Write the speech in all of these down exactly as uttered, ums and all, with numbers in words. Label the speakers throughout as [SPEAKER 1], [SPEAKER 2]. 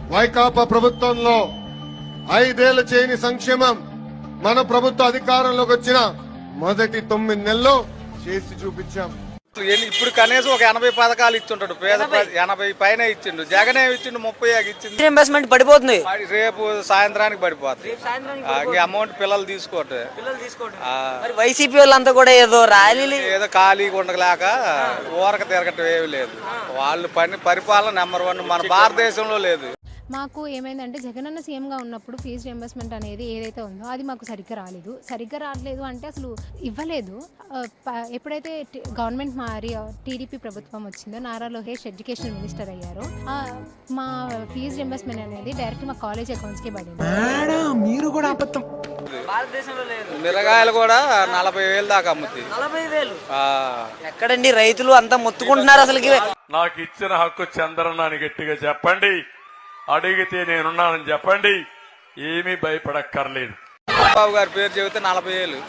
[SPEAKER 1] వైకాపా ప్రభుత్వంలో ఐదేళ్ల చేయని సంక్షేమం మన ప్రభుత్వ అధికారంలోకి వచ్చిన మొదటి తొమ్మిది నెలల్లో చేసి చూపించాం.
[SPEAKER 2] ఇప్పుడు కనీసం ఒక ఎనభై పథకాలు ఇచ్చింటాడు పేద ఎనభై పైన ఇచ్చిండు. జగన్ ఏమి ఇచ్చిండు ముప్పై ఇచ్చిండు.
[SPEAKER 3] ఇన్వెస్ట్మెంట్ పడిపోతుంది,
[SPEAKER 2] రేపు సాయంత్రానికి పడిపోతుంది. అమౌంట్ పిల్లలు తీసుకోవట్లేదు.
[SPEAKER 3] వైసీపీ వాళ్ళంతా కూడా ఏదో ర్యాలీలు
[SPEAKER 2] ఏదో ఖాళీగా ఉండలేక ఊరక తిరగటం ఏమి లేదు. వాళ్ళు పని పరిపాలన నెంబర్ వన్ మన భారతదేశంలో లేదు.
[SPEAKER 4] మాకు ఏమైందంటే జగనన్న సీఎంగా ఉన్నప్పుడు ఫీజు రియంబర్స్మెంట్ అనేది ఏదైతే ఉందో అది మాకు సరిగ్గా రాలేదు. సరిగ్గా రావట్లేదు అంటే అసలు ఇవ్వలేదు. ఎప్పుడైతే గవర్నమెంట్ మారి టీడీపీ ప్రభుత్వం వచ్చిందో నారా లోకేష్ ఎడ్యుకేషన్ మినిస్టర్ అయ్యారో మా ఫీజు రియంబర్స్మెంట్ అనేది డైరెక్ట్ మా కాలేజ్ అకౌంట్స్కే పడింది.
[SPEAKER 5] మీరు కూడా అబద్ధం.
[SPEAKER 3] భారతదేశంలో లేదు.
[SPEAKER 2] మిరగాయలు కూడా నలభై వేలు దాకా అమ్ముతాయి.
[SPEAKER 3] నలభై వేలు ఎక్కడండి? రైతులు అంతా మొత్తుకుంటున్నారు. అసలుకి
[SPEAKER 6] నాకు ఇచ్చిన హక్కు చంద్రన్నాని గట్టిగా చెప్పండి, అడిగితే నేనున్నానని చెప్పండి, ఏమీ భయపడక్కర్లేదు.
[SPEAKER 2] బాబు గారి పేరు చెబితే నలభై ఏళ్ళు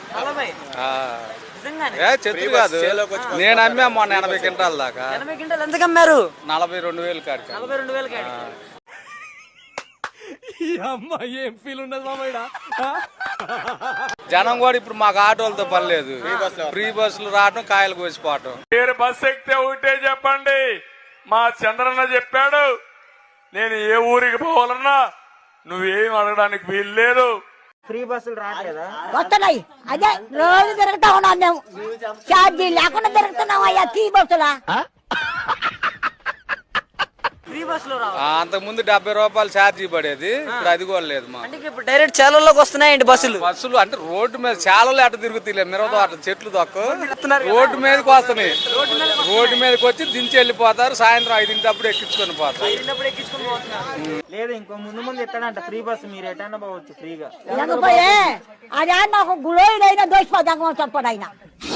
[SPEAKER 2] చెట్టు కాదు. నేను అమ్మా మొన్న ఎనభై క్వింటాల దాకా.
[SPEAKER 3] ఎందుకు అమ్మారు?
[SPEAKER 2] నలభై రెండు వేలు కాడికి.
[SPEAKER 3] నలభై రెండు వేలు
[SPEAKER 5] ఏం ఫీల్ ఉన్నది మామయ్య?
[SPEAKER 2] జనం కూడా ఇప్పుడు మాకు ఆటోలతో పని లేదు. ఫ్రీ బస్సులు రావటం, కాయలు కోసిపోవటం.
[SPEAKER 6] మీరు బస్సు ఎక్కితే ఒకటే చెప్పండి, మా చంద్రన్న చెప్పాడు, నేను ఏ ఊరికి పోవాలన్నా నువ్వేం అడగడానికి వీలు లేదు.
[SPEAKER 3] ఫ్రీ బస్సులు రావట్లేదా?
[SPEAKER 7] వస్తున్నాయి. అదే రోజు తిరుగుతా ఉన్నాం మేము, ఛార్జీ లేకుండా తిరుగుతున్నాం అయ్యా ఫ్రీ బస్సులా.
[SPEAKER 3] ఫ్రీ బస్సులో
[SPEAKER 2] అంతకు ముందు డెబ్బై రూపాయలు ఛార్జీ పడేది, ఇప్పుడు అది కూడా లేదు. మా
[SPEAKER 3] ఇప్పుడు డైరెక్ట్ చేలల్లోకి వస్తున్నాయండి బస్సులు.
[SPEAKER 2] బస్సులు అంటే రోడ్డు మీద చాలలో అట తిరుగుతాయి, మిరవతో అట చెట్లు తక్కువ రోడ్డు మీదకి వస్తున్నాయి. రోడ్డు మీదకి వచ్చి దించి వెళ్ళిపోతారు. సాయంత్రం ఐదింటప్పుడు ఎక్కించుకొని పోతారు.
[SPEAKER 8] లేదు ఇంకో ముందు ముందు ఎక్కడంట ఫ్రీ బస్సు, మీరు ఎటన్నా పోవచ్చు ఫ్రీగా.
[SPEAKER 7] లేకపోయే అదే నాకు గులోయిడైనా దోషిపోదాం చెప్పడు ఆయన.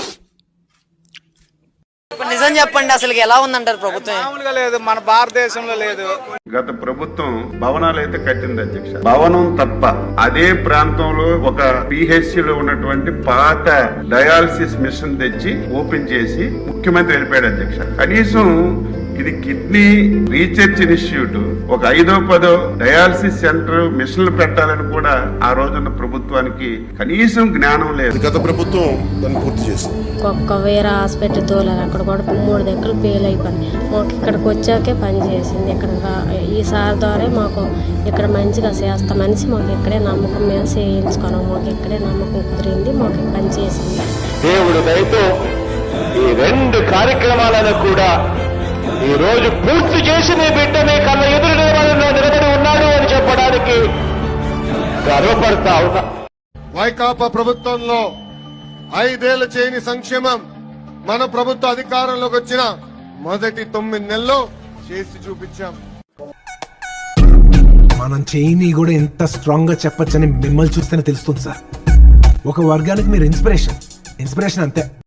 [SPEAKER 3] నిజం చెప్పండి, అసలు ఎలా ఉందంటారు ప్రభుత్వం?
[SPEAKER 2] మామూలుగా లేదు, మన భారతదేశంలో లేదు.
[SPEAKER 9] గత ప్రభుత్వం భవనాలు అయితే కట్టింది అధ్యక్ష. భవనం తప్ప అదే ప్రాంతంలో ఒక పిహెచ్సిలో ఉన్నటువంటి పాత డయాలసిస్ మిషన్ తెచ్చి ఓపెన్ చేసి ముఖ్యమంత్రి వెళ్ళిపోయాడు అధ్యక్ష. కనీసం ఇది కిడ్నీ రీసెర్చ్ ఇన్స్టిట్యూట్, ఒక ఐదో పదో డయాలసిస్ సెంటర్ మిషన్లు పెట్టాలని కూడా ఆ రోజున్న ప్రభుత్వానికి కనీసం జ్ఞానం లేదు.
[SPEAKER 1] గత ప్రభుత్వం దాన్ని పూర్తి చేసింది.
[SPEAKER 10] ఒక్క వేరే హాస్పిటల్ తోలారు, అక్కడ కూడా మూడు దగ్గర ఫెయిల్ అయిపోయింది. మాకు ఇక్కడికి వచ్చాకే పని చేసింది. ఇక్కడ ఈ సార్ ద్వారా మాకు ఇక్కడ మంచిగా చేస్తా మనిషి మాకు ఇక్కడే నమ్మకం మేము చేయించుకున్నాం. మాకు ఇక్కడే నమ్మకం కుదిరింది, మాకు పని చేసింది.
[SPEAKER 11] దేవుడు దయతో ఈ రెండు కార్యక్రమాలను కూడా ఈ రోజు పూర్తి చేసి నీ బిడ్డ మీ కళ్ళ ఎదురు నిలబడి నిలబడి ఉన్నాడు అని చెప్పడానికి గర్వపడతా ఉన్నా.
[SPEAKER 1] వైకాపా ప్రభుత్వంలో ఐదేళ్ల చేయని సంక్షేమం మన ప్రభుత్వ అధికారంలోకి వచ్చిన మొదటి తొమ్మిది నెలల్లో చేసి చూపించాం.
[SPEAKER 5] మనం చేయని కూడా ఎంత స్ట్రాంగ్ గా చెప్పొచ్చని మిమ్మల్ని చూస్తేనే తెలుస్తుంది సార్. ఒక వర్గానికి మీరు ఇన్స్పిరేషన్ ఇన్స్పిరేషన్ అంతే.